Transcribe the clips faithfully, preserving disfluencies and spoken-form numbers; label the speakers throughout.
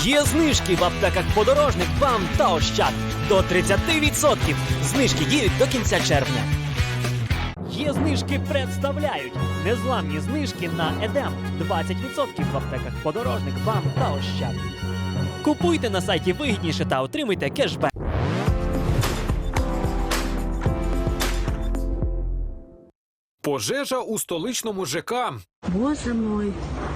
Speaker 1: Є знижки в аптеках «Подорожник», «БАМ» та «Ощад». До тридцяти відсотків. Знижки діють до кінця червня. Є знижки представляють. Незламні знижки на «Едем». двадцять відсотків в аптеках «Подорожник», «БАМ» та «Ощад». Купуйте на сайті вигідніше та отримуйте кешбек.
Speaker 2: Пожежа у столичному ЖК.
Speaker 3: Боже мой.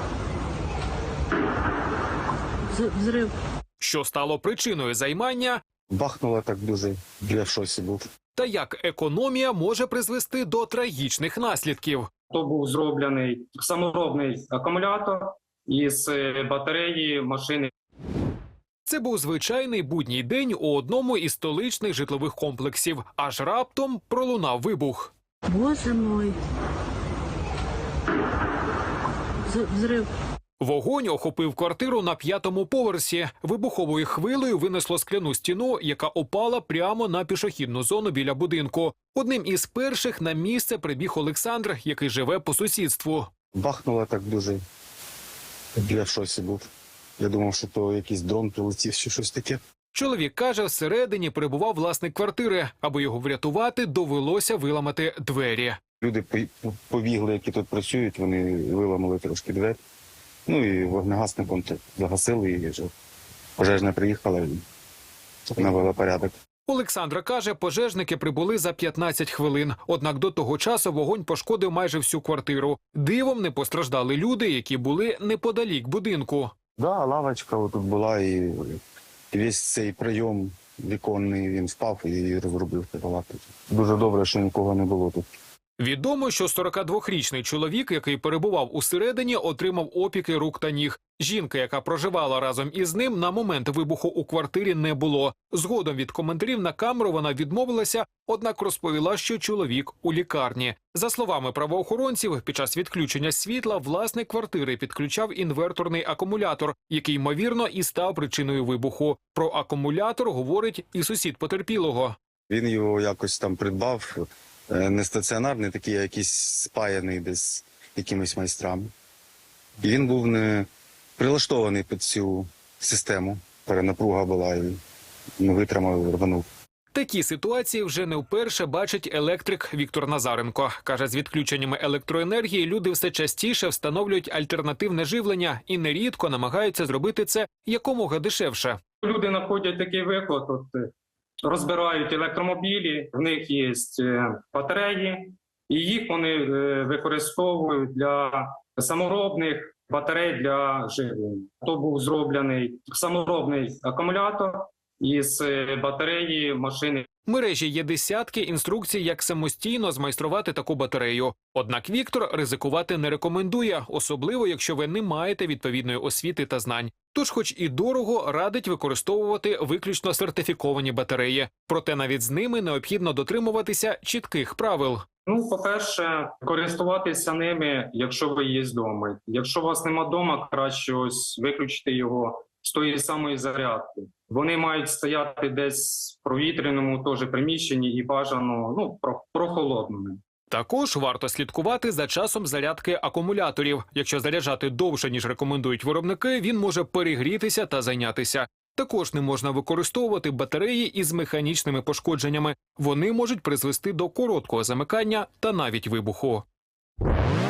Speaker 3: З- Взрив.
Speaker 2: Що стало причиною займання
Speaker 4: Бахнуло так дуже, я в шоці був.
Speaker 2: та як економія може призвести до трагічних наслідків.
Speaker 5: То був зроблений саморобний акумулятор із е, батареї машини.
Speaker 2: Це був звичайний будній день у одному із столичних житлових комплексів. Аж раптом пролунав вибух.
Speaker 3: Боже мой. З- Взрив.
Speaker 2: Вогонь охопив квартиру на п'ятому поверсі. Вибуховою хвилею винесло скляну стіну, яка опала прямо на пішохідну зону біля будинку. Одним із перших на місце прибіг Олександр, який живе по сусідству.
Speaker 4: Бахнуло так дуже, я в шоці був. Я думав, що то якийсь дрон прилетів чи щось таке.
Speaker 2: Чоловік каже, всередині перебував власник квартири. Аби його врятувати, довелося виламати двері.
Speaker 4: Люди по- побігли, які тут працюють, вони виламали трошки двері. Ну і вогнегасником то загасили, і вже пожежна приїхала і навела порядок.
Speaker 2: Олександра каже, пожежники прибули за п'ятнадцять хвилин. Однак до того часу вогонь пошкодив майже всю квартиру. Дивом не постраждали люди, які були неподалік будинку.
Speaker 4: Да, лавочка отут була, і весь цей прийом віконний, він впав і розрубив палату. Дуже добре, що нікого не було тут.
Speaker 2: Відомо, що сорокадвохрічний чоловік, який перебував усередині, отримав опіки рук та ніг. Жінка, яка проживала разом із ним, на момент вибуху у квартирі не було. Згодом від коментарів на камеру вона відмовилася, однак розповіла, що чоловік у лікарні. За словами правоохоронців, під час відключення світла власник квартири підключав інверторний акумулятор, який, ймовірно, і став причиною вибуху. Про акумулятор говорить і сусід потерпілого.
Speaker 4: Він його якось там придбав, е, не стаціонарний, такий, а якийсь спаяний десь якимись майстрами. І він був не прилаштований під цю систему. Перенапруга була і не витримав, рванув.
Speaker 2: Такі ситуації вже не вперше бачить електрик Віктор Назаренко. Каже, з відключеннями електроенергії люди все частіше встановлюють альтернативне живлення і нерідко намагаються зробити це якомога дешевше.
Speaker 5: Люди знаходять такий виклад, от, е, розбирають електромобілі, в них є е, батареї, і їх вони е, використовують для саморобних батарей для живлення. То був зроблений саморобний акумулятор із е, батареї машини.
Speaker 2: В мережі є десятки інструкцій, як самостійно змайструвати таку батарею. Однак Віктор ризикувати не рекомендує, особливо якщо ви не маєте відповідної освіти та знань. Тож, хоч і дорого, радить використовувати виключно сертифіковані батареї. Проте навіть з ними необхідно дотримуватися чітких правил.
Speaker 5: Ну, по-перше, користуватися ними, якщо ви є вдома. Якщо у вас нема вдома, краще ось виключити його з тої самої зарядки. Вони мають стояти десь в провітряному теж приміщенні і бажано ну, про- прохолодними.
Speaker 2: Також варто слідкувати за часом зарядки акумуляторів. Якщо заряджати довше, ніж рекомендують виробники, він може перегрітися та зайнятися. Також не можна використовувати батареї із механічними пошкодженнями. Вони можуть призвести до короткого замикання та навіть вибуху.